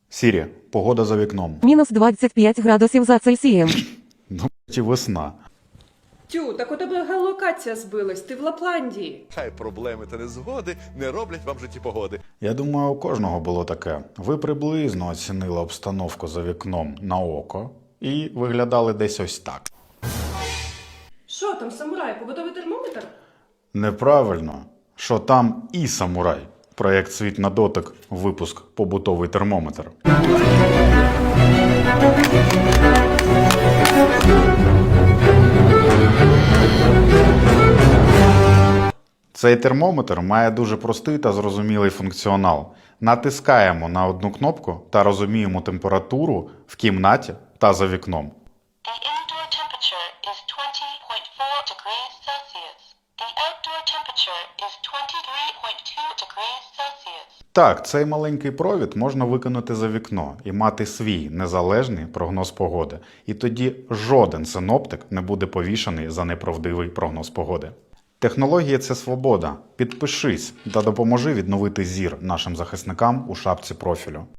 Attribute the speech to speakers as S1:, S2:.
S1: Сірі, погода за вікном.
S2: Мінус 25 градусів за Цельсієм.
S1: Ну, чи весна.
S3: Тю, так у тебе геолокація збилась, ти в Лапландії.
S4: Хай проблеми та незгоди не роблять вам в житті погоди.
S1: Я думаю, у кожного було таке. Ви приблизно оцінили обстановку за вікном на око і виглядали десь ось так.
S3: Що там, самурай, побутовий термометр?
S1: Неправильно, що там і самурай. Проєкт «Світ на дотик», випуск «Побутовий термометр». Цей термометр має дуже простий та зрозумілий функціонал. Натискаємо на одну кнопку та розуміємо температуру в кімнаті та за вікном.
S5: The indoor temperature is 20.4 degrees Celsius. The outdoor temperature is 23.2 degrees Celsius.
S1: Так, цей маленький провід можна викинути за вікно і мати свій незалежний прогноз погоди. І тоді жоден синоптик не буде повішаний за неправдивий прогноз погоди. Технологія – це свобода. Підпишись та допоможи відновити зір нашим захисникам у шапці профілю.